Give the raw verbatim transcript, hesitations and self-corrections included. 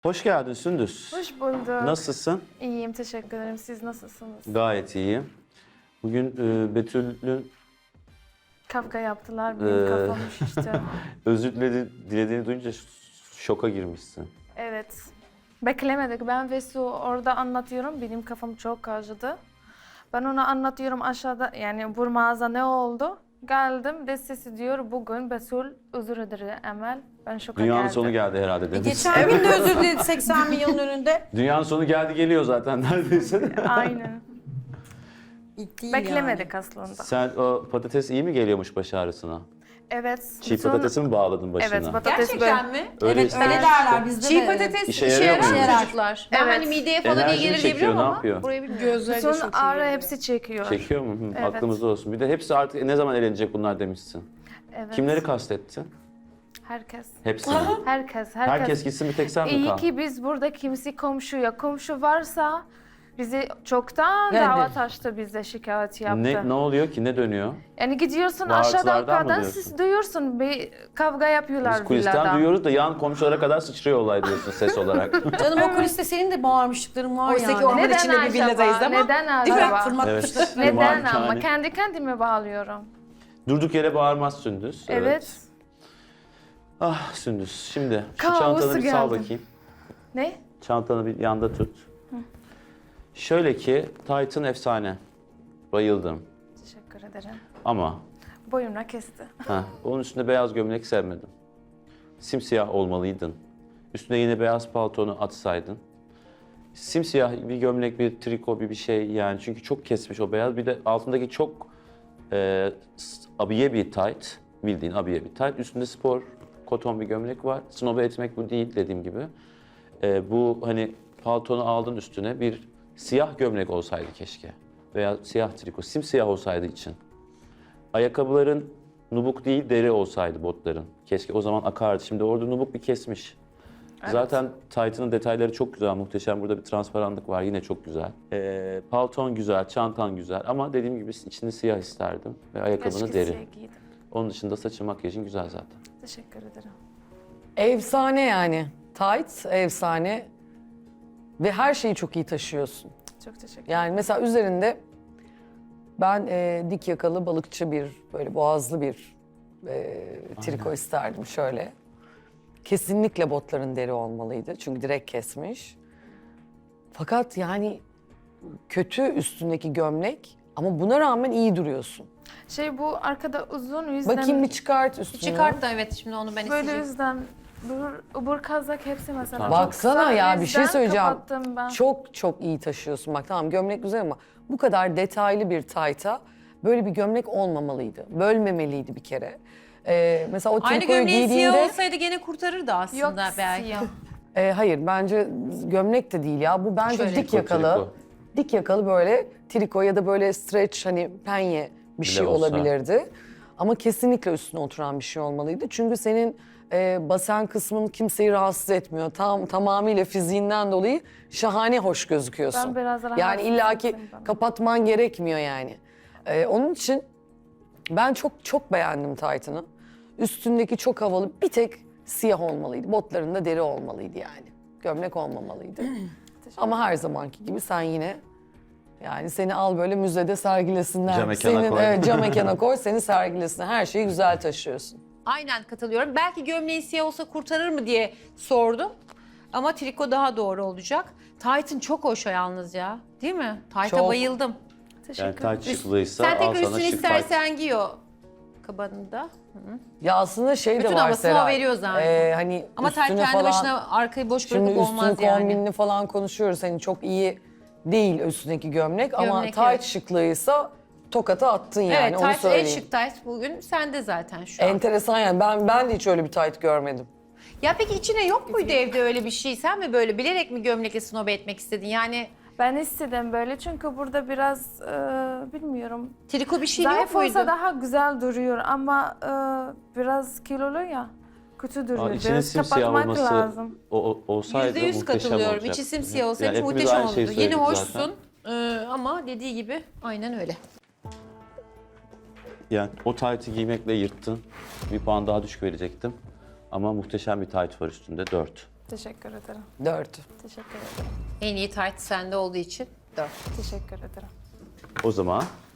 Hoş geldin Sündüz. Hoş bulduk. Nasılsın? İyiyim, teşekkür ederim. Siz nasılsınız? Gayet iyiyim. Bugün e, Betül'ün Kavga yaptılar, benim Ee, kafam şişti. özür diledi, dilediğini duyunca ş- şoka girmişsin. Evet. Beklemedik. Ben ve Su orada anlatıyorum. Benim kafam çok acıdı. Ben ona anlatıyorum aşağıda, yani bu mağaza ne oldu? Geldim de sesi diyor bugün Betül özür dilerim Emel. Ben şoka Dünyanın geldim. sonu geldi herhalde demiş. Geçen gün de özür diledi seksen milyonun önünde. Dünyanın sonu geldi geliyor zaten neredeyse. Aynen. İlk değil Beklemedik aslında. Sen o patates iyi mi geliyormuş baş ağrısına? Evet. Çiğ bütün- patatesi mi bağladın başına? Evet, patates Gerçekten böyle- mi? Öyle evet ister. öyle derler bizde Çiğ de. patates İşe işe, yarıyor yarar mu? mı çocuklar? Ben Evet. hani mideye falan iyi Enerji mi gelir çekiyor, diyebiliyorum ne ama yapıyor? burayı bilmiyorum. Gözleri de Bütün çok iyi ağrı geliyor. hepsi çekiyor. Çekiyor mu? Hı, Evet. Aklımızda olsun. Bir de hepsi artık ne zaman eğlenecek bunlar demişsin. Evet. Kimleri kastettin? Herkes. Hepsini. Herkes. Herkes. Herkes gitsin bir tek sen mi İyi kal? ki biz burada kimse komşuya. Komşu varsa bizi çoktan Yani- davet açtı, bize şikayet yaptı. Ne, ne oluyor ki? Ne dönüyor? Yani gidiyorsun Bağırtılardan aşağıda mı kadar diyorsun? siz duyuyorsun bir kavga yapıyorlar Biz kulisten villada. duyuyoruz da yan komşulara kadar sıçrıyor olay diyorsun ses olarak. Canım o kuliste senin de bağırmışlıkların var Oysa ki yani. orman Neden içinde bir acaba? villadayız ama. Neden Değil mi? acaba? Fırlatmışlar. Evet. Neden Malikane. ama? Kendi kendime bağlıyorum. Durduk yere bağırmaz Sündüz. Evet. Ah Sündüz, şimdi şu Kaosu çantanı bir sal geldim. bakayım. Ne? Çantanı bir yanda tut. Şöyle ki, Titan efsane. Bayıldım. Teşekkür ederim. Ama Boyumla kesti. heh, onun üstünde beyaz gömlek sevmedim. Simsiyah olmalıydın. Üstüne yine beyaz paltonu atsaydın. Simsiyah bir gömlek, bir triko, bir bir şey yani. Çünkü çok kesmiş o beyaz. Bir de altındaki çok e, s- abiye bir tight. Bildiğin abiye bir tight. Üstünde spor, koton bir gömlek var. Snobe etmek bu değil dediğim gibi. E, bu hani paltonu aldın üstüne bir siyah gömlek olsaydı keşke. Veya siyah triko, simsiyah olsaydı için. Ayakkabıların nubuk değil deri olsaydı botların. Keşke o zaman akardı. Şimdi orada nubuk bir kesmiş. Zaten Titan'ın detayları çok güzel, muhteşem. Burada bir transparanlık var, yine çok güzel. Ee, palton güzel, çantan güzel ama dediğim gibi içinde siyah isterdim ve ayakkabını Keşke deri. siyah giydim. Onun dışında saçın, makyajın güzel zaten. Teşekkür ederim. Efsane yani. Tight, efsane. Ve her şeyi çok iyi taşıyorsun. Çok teşekkür ederim. Yani mesela üzerinde ben e, dik yakalı balıkçı bir, böyle boğazlı bir e, triko isterdim şöyle. Kesinlikle botların deri olmalıydı çünkü direkt kesmiş. Fakat yani kötü üstündeki gömlek ama buna rağmen iyi duruyorsun. Şey bu arkada uzun yüzden... Bakayım bir çıkart üstünü. Çıkart da evet şimdi onu ben Böyle isteyeceğim. yüzden bu ubur kazak hepsi mesela. Tamam. çok Baksana kısa, ya bir şey yüzden söyleyeceğim. kapattım ben. Çok çok iyi taşıyorsun. Bak tamam gömlek güzel ama bu kadar detaylı bir tayta böyle bir gömlek olmamalıydı. Bölmemeliydi bir kere. Ee, mesela o Aynı trikoyu gömleğin giydiğinde... siyah olsaydı gene kurtarırdı Yok aslında belki. siyah. Ee, hayır bence gömlek de değil ya. Bu bence Şöyle. dik Triko, yakalı. triko. Dik yakalı böyle triko ya da böyle stretch hani penye bir Bile şey olsa. olabilirdi. Ama kesinlikle üstüne oturan bir şey olmalıydı. Çünkü senin e, basen kısmın kimseyi rahatsız etmiyor. Tam tamamıyla fiziğinden dolayı şahane hoş gözüküyorsun. Ben biraz rahatsız Yani illaki ettim bana. kapatman gerekmiyor yani. Ee, onun için ben çok çok beğendim Titan'ı. Üstündeki çok havalı, bir tek siyah olmalıydı. Botlarında deri olmalıydı yani. Gömlek olmamalıydı. Ama her zamanki gibi sen yine yani seni al böyle müzede sergilesinler. Cam mekana Senin, koy. Evet, cam mekana koy, seni sergilesinler. Her şeyi güzel taşıyorsun. Aynen katılıyorum. Belki gömleğin siyah olsa kurtarır mı diye sordum. Ama triko daha doğru olacak. Titan çok hoş yalnız ya. Değil mi? Titan'a Çok. bayıldım. Teşekkür Yani ederim. tight şıklıysa Sen al tekrar sana üstünü şık tight. istersen giy o kabanında. Ya aslında şey Bütün de var havasını o Seray. veriyor zaten. Ee, hani Ama tight üstüne kendi falan, başına arkayı boş Şimdi bırakıp üstünü olmaz yani. kombinini falan konuşuyoruz. Hani çok iyi değil üstündeki gömlek, ama Gömlek, tight evet. şıklıysa tokata attın yani Evet, onu tight en söyleyeyim. şık tight bugün sende zaten şu an. Enteresan yani ben ben de hiç öyle bir tight görmedim. Ya peki içine yok muydu evde öyle bir şey? Sen mi böyle bilerek mi gömlekle snobe etmek istedin? Yani Ben istedim böyle çünkü burada biraz e, bilmiyorum. triko bir şey yok Zayıf muydu? olsa daha güzel duruyor ama e, biraz kilolu ya. Kötü duruyor. Aa, içinin Biraz simsiyah kapatmak olması lazım. o, o- olsaydı Yüzde yüz muhteşem katılıyorum. olacaktı. İçi simsiyah olsaydı Yani hepimiz muhteşem aynı şeyi olurdu. Yeni söyledik hoşsun zaten. ee, ama dediği gibi aynen öyle. Yani o tight'i giymekle yırttın. Bir puan daha düşük verecektim. Ama muhteşem bir tight var üstünde, dört. Teşekkür ederim. Dört. Teşekkür ederim. En iyi tayt sende olduğu için dört. Teşekkür ederim. O zaman